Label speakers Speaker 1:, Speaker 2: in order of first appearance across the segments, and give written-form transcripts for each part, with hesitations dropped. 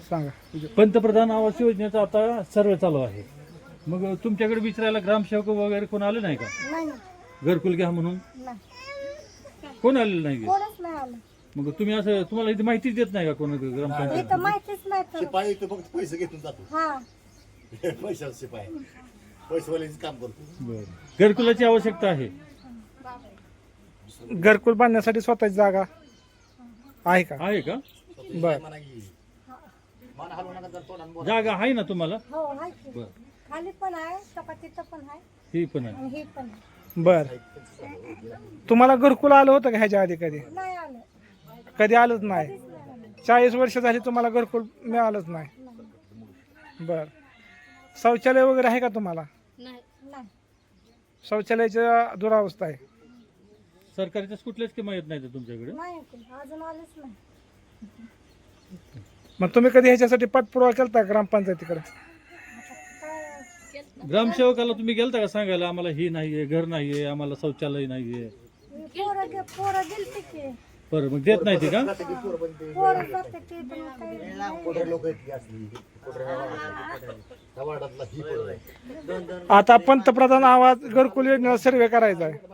Speaker 1: सांगा.
Speaker 2: पंतप्रधान आवास योजनेचा आता सर्वे चालू आहे. मग तुमच्याकडे विचारायला ग्रामसेवक वगैरे कोण आले नाही का?
Speaker 3: नाही
Speaker 2: घरकुल घ्या म्हणून
Speaker 3: नाही
Speaker 2: कोण आलेलं नाही का?
Speaker 3: कोणच नाही आलं.
Speaker 2: मग तुम्ही असं तुम्हाला इथे माहितीच देत नाही का कोण ग्रामपंचायत?
Speaker 3: इथं माहितीच नाही तर.
Speaker 4: शिपाई इथं फक्त पैसे घेऊन जातो.
Speaker 3: हा
Speaker 4: पैशाचा शिपाई पैसेवाल्याचं काम करतो.
Speaker 2: बरं. घरकुलाची आवश्यकता आहे.
Speaker 1: घरकुल बांधण्यासाठी स्वतःची जागा आहे का?
Speaker 2: आहे का?
Speaker 1: बर.
Speaker 4: म्हणा की मान हलवू नका जर तोंडानं बोला.
Speaker 2: जागा आहे ना तुम्हाला?
Speaker 3: हो आहे की.
Speaker 2: बरं.
Speaker 3: खाली पण आहे चपातीचं पण आहे
Speaker 2: ही पण आहे.
Speaker 3: आणि हे पण आहे.
Speaker 1: बर. तुम्हाला घरकुल आलं होतं का ह्याच्या आधी कधी?
Speaker 3: नाही आलं.
Speaker 1: कधी आलंच नाही.
Speaker 3: कधीच नाही आलं.
Speaker 1: 40 वर्ष झाली तुम्हाला घरकुल मिळालंच नाही. बर. शौचालय वगैरे आहे का तुम्हाला?
Speaker 3: नाही
Speaker 1: शौचालयाची दुरावस्था आहे.
Speaker 2: सरकारच्याच कुठल्याच किंमत येत नाही तुमच्याकडे?
Speaker 3: नाही अजून आलंच नाही.
Speaker 1: मग तुम्ही कधी ह्याच्यासाठी पाठपुरावा केलता ग्रामपंचायतीकडे?
Speaker 3: काय
Speaker 2: ग्रामसेवकाला तुम्ही गेलता का सांगायला आम्हाला ही नाहीये, घर नाहीये, आम्हाला शौचालय नाहीये?
Speaker 3: पोरं गेलते की.
Speaker 2: बरं, मग देत नाही ते का?
Speaker 3: पोरं जाते ते पण काही
Speaker 4: कोठे लोक आहेत की असली कोठे वाडातला ही पोरं आहे.
Speaker 1: आता पंतप्रधान आवास घरकुल योजनेचा सर्वे करायचा आहे.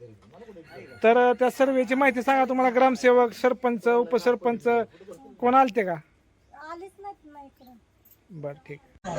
Speaker 1: तर त्या सर्वेची माहिती सांगा. तुम्हाला ग्रामसेवक, सरपंच, उपसरपंच कोण आलते का?
Speaker 3: आलीच नाहीत ना इकडं.
Speaker 1: बर ठीक.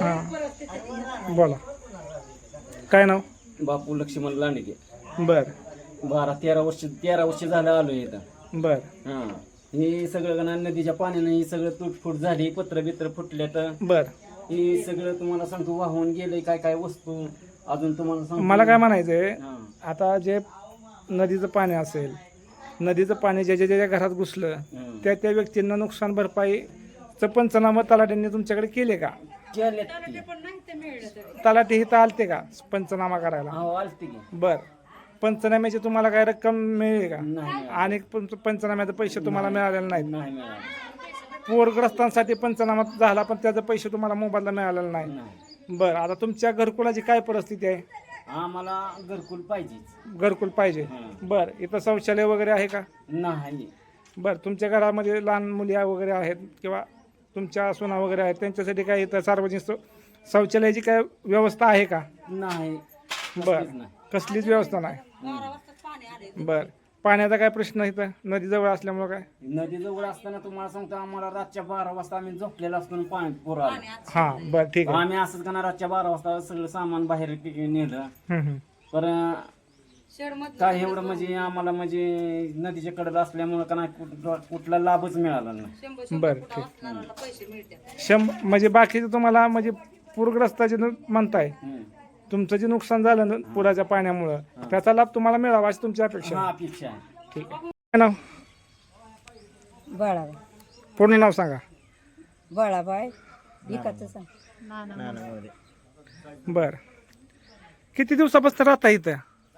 Speaker 1: हां बोला. काय नाव?
Speaker 5: बापू लक्ष्मण लांडगे.
Speaker 1: बर
Speaker 5: 13 वर्ष झालं आलोय इथं.
Speaker 1: बर
Speaker 5: हा हे सगळं गणा नदीच्या पाण्यानं ही सगळं तुटफूट झाली, पत्र बित्र फुटल्या तर
Speaker 1: बर.
Speaker 5: हे सगळं तुम्हाला सांगतो वाहून गेलंय. काय काय वस्तू अजून तुम्हाला सांगतो.
Speaker 1: मला काय म्हणायचंय,
Speaker 5: हा.
Speaker 1: आता जे नदीचं पाणी असेल, नदीचं पाणी ज्याच्या ज्याच्या घरात घुसलं
Speaker 5: हं.
Speaker 1: त्या त्या व्यक्तींना नुकसान भरपाईचं पंचनामा तलाट्यांनी तुमच्याकडे केले का?
Speaker 5: केल्यात ती.
Speaker 1: तलाठी इथं आलते का पंचनामा करायला?
Speaker 5: हो आलती की.
Speaker 1: बर. पंचनाम्याची तुम्हाला काय रक्कम मिळेल का?
Speaker 5: नाही
Speaker 1: आणि पंचनाम्याचे पैसे तुम्हाला मिळालेले नाहीत.
Speaker 5: नाही मिळालं.
Speaker 1: पूरग्रस्तांसाठी पंचनामा झाला पण त्याचे पैसे तुम्हाला मोबाईलला मिळालेले नाही.
Speaker 5: नाही
Speaker 1: बर. आता तुमच्या घरकुलाची काय परिस्थिती आहे?
Speaker 5: आम्हाला घरकुल पाहिजेच.
Speaker 1: घरकुल पाहिजे.
Speaker 5: हं.
Speaker 1: बर. इथं शौचालय वगैरे आहे का?
Speaker 5: नाही.
Speaker 1: बर. तुमच्या घरामध्ये लहान मुली वगैरे आहेत किंवा तुमच्या सुना वगैरे आहेत, त्यांच्यासाठी काय इथं सार्वजनिक शौचालयाची काय व्यवस्था आहे का?
Speaker 5: नाही.
Speaker 1: बर.
Speaker 5: कसलीच नाही.
Speaker 1: कसलीच व्यवस्था नाही. बर. पाण्याचा काय प्रश्न इथं नदीजवळ असल्यामुळे काय?
Speaker 5: नदीजवळ असताना तुम्हाला सांगतो आम्हाला रातच्या 12 वाजता आम्ही झोपलेलो असतो आणि पाणी पूर आलं.
Speaker 1: हां बर ठीक आहे.
Speaker 5: आम्ही असंच का रातच्या 12 वाजता सगळं सामान बाहेर नेलं.
Speaker 1: हं.
Speaker 5: पण काय एवढं म्हणजे आम्हाला म्हणजे नदीच्या कडेला असल्यामुळे का नाही कुठला लाभच मिळाला नाही.
Speaker 1: बर ठीक. म्हणजे बाकीचं तुम्हाला म्हणजे पूरग्रस्ताचे म्हणताय,
Speaker 5: हम्म.
Speaker 1: तुमचं जे नुकसान झालं ना पुराच्या पाण्यामुळं त्याचा लाभ तुम्हाला मिळावा अशी तुमची अपेक्षा
Speaker 5: हा
Speaker 1: आहे.
Speaker 5: अपेक्षा आहे.
Speaker 1: ठीक आहे. काय नाव?
Speaker 3: बाळाबाई
Speaker 1: पूर्ण नाव सांगा.
Speaker 3: बाळाबाई विकायचं सांग.
Speaker 1: बर. किती दिवसापासून राहता इथं?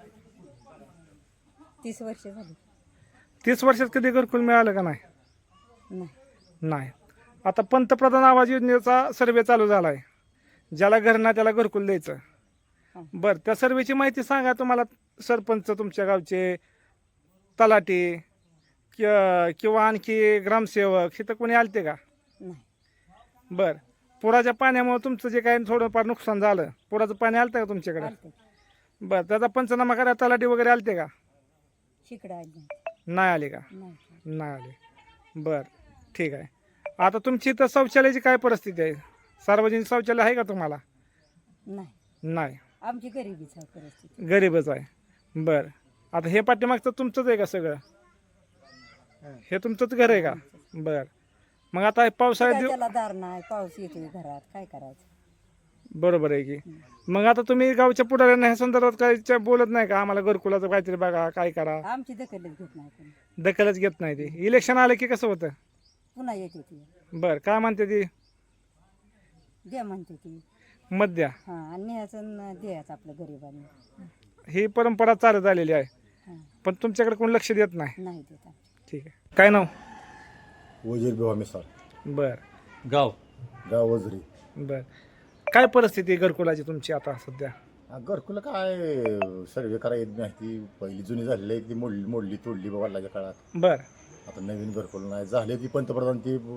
Speaker 3: 30 वर्ष झाली.
Speaker 1: 30 वर्षात कधी घरकुल मिळालं का नाही?
Speaker 3: नाही
Speaker 1: नाही. आता पंतप्रधान आवास योजनेचा सर्वे चालू झाला आहे. ज्याला घर ना त्याला घरकुल द्यायचं. बरं. त्या सर्वेची माहिती सांगा. तुम्हाला सरपंच, तुमच्या गावचे तलाठी किंवा आणखी ग्रामसेवक इथं कोणी आलते का?
Speaker 3: नाही
Speaker 1: बरं. पुराच्या पाण्यामुळे तुमचं जे काही थोडंफार नुकसान झालं, पुराचं पाणी आलं का तुमच्याकडे?
Speaker 3: आलते.
Speaker 1: बरं. त्याचा पंचनामा करायला तलाठी वगैरे आलते का?
Speaker 3: शिकडं आली
Speaker 1: नाही आले का?
Speaker 3: नाही.
Speaker 1: नाही आले. बरं ठीक आहे. आता तुमची इथं शौचालयाची काय परिस्थिती आहे? सार्वजनिक शौचालय आहे का तुम्हाला?
Speaker 3: नाही
Speaker 1: नाही.
Speaker 3: आमची गरिबीच आहे परिस्थिती.
Speaker 1: गरीबच आहे. बरं. आता हे पाठीमागचं तुमचंच आहे का सगळं? हे तुमचंच घर आहे का? बरं. मग आता
Speaker 3: काय
Speaker 1: पावसाळ्यात
Speaker 3: त्याला दार नाही, पाऊस येतोय घरात, काय करायचं?
Speaker 1: बरोबर आहे की. मग आता तुम्ही गावच्या पुढाऱ्यांना ह्या संदर्भात काही बोलत नाही का? आम्हाला घरकुलाचं काहीतरी बघा, काय करा?
Speaker 3: आमची दखलच घेत नाही कोणी.
Speaker 1: दखलच घेत नाही ती. इलेक्शन आलं की कसं होतं?
Speaker 3: पुन्हा येते ती
Speaker 1: बरं. काय म्हणते ती?
Speaker 3: द्या म्हणते ती.
Speaker 1: मत द्या.
Speaker 3: हां आणि न्यायचं आणि द्यायचं आपलं गरिबांनी.
Speaker 1: ही परंपरा चालत आलेली आहे.
Speaker 3: हां
Speaker 1: पण तुमच्याकडे कोण लक्ष देत नाही.
Speaker 3: नाही देत आमची.
Speaker 1: ठीक आहे. काय नाव?
Speaker 4: वजीर बेवा मिसाळ
Speaker 1: बरं.
Speaker 2: गाव
Speaker 4: गाव वजरी.
Speaker 1: बरं. काय परिस्थिती आहे घरकुलाची तुमची आता सध्या?
Speaker 4: घरकुलं काय सर्वे करायची माहिती पहिली जुनी झालेली आहे ती मोडली तोडली वडिलाच्या काळात.
Speaker 1: बरं.
Speaker 4: आता नवीन घरकुल नाही झाले ती पंतप्रधान ती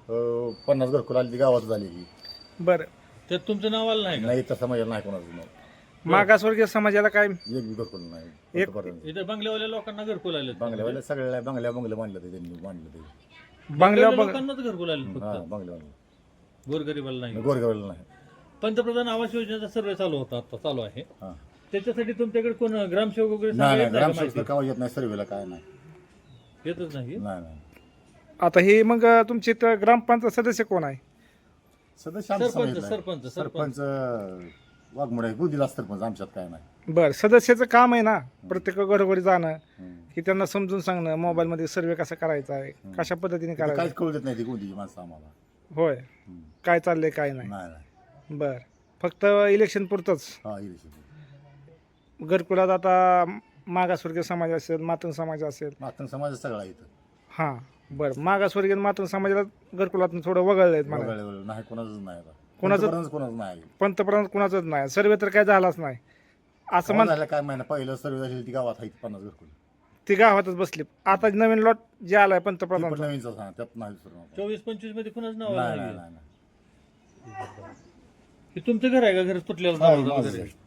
Speaker 4: 50 घरकुल आली ती गावात झाली की
Speaker 1: बरं
Speaker 2: त्यात तुमचं नाव आलं नाही का
Speaker 4: नाही तसं माझ्या नाही कोणाचं नाव.
Speaker 1: मागासवर्गीय समाजाला काय
Speaker 4: एक बी घरकुल नाही
Speaker 1: एक-
Speaker 4: आतापर्यंत.
Speaker 2: इथं बंगल्यावाल्या लोकांना घरकुल आले
Speaker 4: बंगल्यावाले सगळ्या बंगल्या बांधलं ते त्यांनी बांधलं ते
Speaker 1: बंगल्यावर बघ
Speaker 2: लोकांनाच घरकुल आले
Speaker 4: हा
Speaker 2: फक्त
Speaker 4: बंगल्यावाले
Speaker 2: गोरगरीबाला नाही
Speaker 4: गोरगावला नाही.
Speaker 2: पंतप्रधान आवास योजनेचा सर्वे चालू होता आता चालू आहे
Speaker 4: हा
Speaker 2: त्याच्यासाठी तुमच्याकडे कोण ग्रामसेवक वगैरे
Speaker 4: नाही
Speaker 2: सांगायला
Speaker 4: नाही
Speaker 2: येत नाही का
Speaker 4: ग्रामसेवक
Speaker 2: माहिती?
Speaker 4: कावा येत नाही सर्वेला काय नाही
Speaker 2: येतच नाही
Speaker 4: नाही नाही
Speaker 1: आता हे मग तुमचे इथं ग्रामपंचायत सदस्य कोण आहे
Speaker 4: सदस्य आमचं
Speaker 2: सरपंच,
Speaker 4: सांगितलं.
Speaker 2: सरपंच,
Speaker 4: सरपंच वाघमोडे बुद्धीला सरपंच आमच्यात काय नाही.
Speaker 1: बरं सदस्याचं काम आहे ना प्रत्येक घरोघरी जाणं
Speaker 4: हम्म.
Speaker 1: की त्यांना समजून सांगणं मोबाईलमध्ये सर्वे कसा करायचा आहे कशा पद्धतीने
Speaker 4: तिथं
Speaker 1: करायचा
Speaker 4: काहीच कळू देत नाही ती कोणतीची माणसं आम्हाला.
Speaker 1: होय
Speaker 4: हम्म.
Speaker 1: काय चाललंय काय नाही
Speaker 4: नाही नाही
Speaker 1: बर फक्त इलेक्शन पुरतंच
Speaker 4: हा इलेक्शन
Speaker 1: घरकुलात आता मागासवर्गीय समाज असेल मातंग समाज असेल
Speaker 4: मातंग समाज सगळा इथं
Speaker 1: हां बरं मागासवर्गीय आणि मातंग समाजाला घरकुलातून थोडं वगळलं आहेत मला
Speaker 4: वगळलं नाही कोणाचंच नाही आता
Speaker 1: कोणाचं-
Speaker 4: कोणाचं नाही
Speaker 1: पंतप्रधान कुणाचंच नाही सर्वे तर काय झालाच नाही असं म्हण
Speaker 4: झालं काय महिना पहिलं सर्व झाली ती गावात आहे 50 घरकुल
Speaker 1: ती गावातच बसली आता नवीन लॉट जे आलाय
Speaker 4: ती पण
Speaker 1: पंतप्रधान
Speaker 4: नवीनच हा त्यात नाही दुसरं.
Speaker 2: 24-25 मध्ये कुणाच नाव
Speaker 4: नाही
Speaker 2: आलं
Speaker 4: नाही
Speaker 2: नाही
Speaker 4: नाही
Speaker 2: हे तुमचं घर आहे का घर तुटलेलं
Speaker 4: हा,
Speaker 2: नाव
Speaker 4: माझं
Speaker 2: वगैरे?
Speaker 4: आहे.